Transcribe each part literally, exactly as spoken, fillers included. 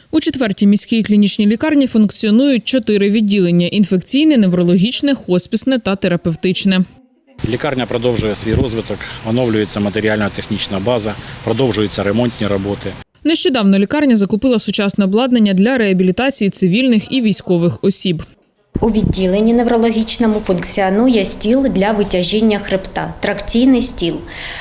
У четвертій міській клінічній лікарні функціонують чотири відділення – інфекційне, неврологічне, хоспісне та терапевтичне. Лікарня продовжує свій розвиток, оновлюється матеріально-технічна база, продовжуються ремонтні роботи. Нещодавно лікарня закупила сучасне обладнання для реабілітації цивільних і військових осіб. У відділенні неврологічному функціонує стіл для витяжіння хребта – тракційний стіл.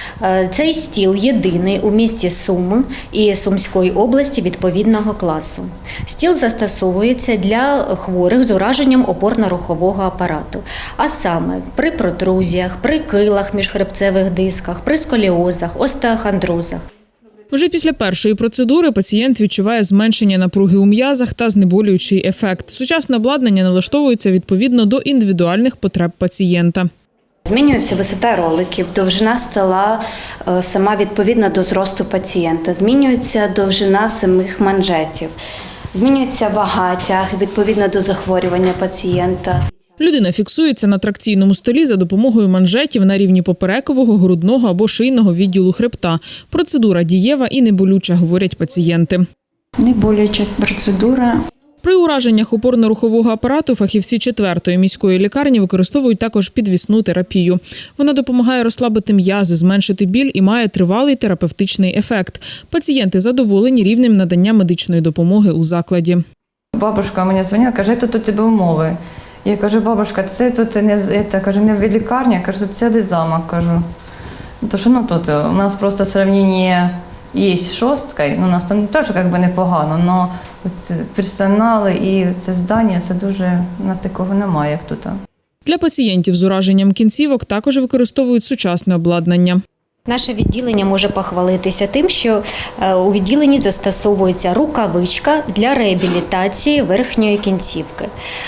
Цей стіл єдиний у місті Суми і Сумської області відповідного класу. Стіл застосовується для хворих з ураженням опорно-рухового апарату, а саме при протрузіях, при килах міжхребцевих дисках, при сколіозах, остеохондрозах. Вже після першої процедури пацієнт відчуває зменшення напруги у м'язах та знеболюючий ефект. Сучасне обладнання налаштовується відповідно до індивідуальних потреб пацієнта. Змінюється висота роликів, довжина стола сама відповідно до зросту пацієнта. Змінюється довжина самих манжетів. Змінюється вага тяги відповідно до захворювання пацієнта. Людина фіксується на тракційному столі за допомогою манжетів на рівні поперекового, грудного або шийного відділу хребта. Процедура дієва і неболюча, говорять пацієнти. Неболюча процедура. При ураженнях опорно-рухового апарату фахівці четвертої міської лікарні використовують також підвісну терапію. Вона допомагає розслабити м'язи, зменшити біль і має тривалий терапевтичний ефект. Пацієнти задоволені рівнем надання медичної допомоги у закладі. Бабушка мені дзвонила, каже, тут у тебе умови. Я кажу, бабушка, це тут не, це, кажу, не в лікарні, я кажу, тут цілий замок, кажу. Тому що ну, тут у нас просто сравнення є з шосткою, ну, у нас там теж як би непогано, але персонал і це здання, це дуже, у нас такого немає, як тут. Для пацієнтів з ураженням кінцівок також використовують сучасне обладнання. Наше відділення може похвалитися тим, що у відділенні застосовується рукавичка для реабілітації верхньої кінцівки.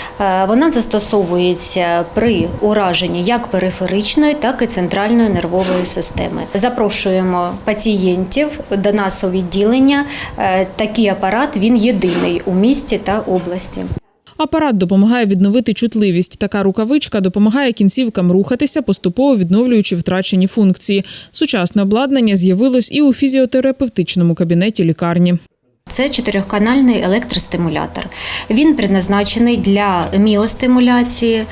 Вона застосовується при ураженні як периферичної, так і центральної нервової системи. Запрошуємо пацієнтів до нас у відділення. Такий апарат, він єдиний у місті та області. Апарат допомагає відновити чутливість. Така рукавичка допомагає кінцівкам рухатися, поступово відновлюючи втрачені функції. Сучасне обладнання з'явилось і у фізіотерапевтичному кабінеті лікарні. Це чотирьохканальний електростимулятор. Він призначений для міостимуляції,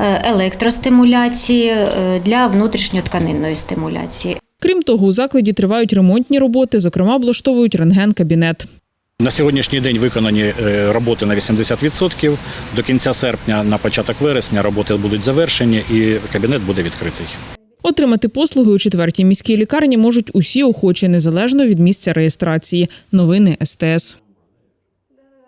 електростимуляції, для внутрішньотканинної стимуляції. Крім того, у закладі тривають ремонтні роботи, зокрема облаштовують рентген-кабінет. На сьогоднішній день виконані роботи на вісімдесят відсотків. До кінця серпня, на початок вересня роботи будуть завершені і кабінет буде відкритий. Отримати послуги у четвертій міській лікарні можуть усі охочі, незалежно від місця реєстрації. Новини ес те ес.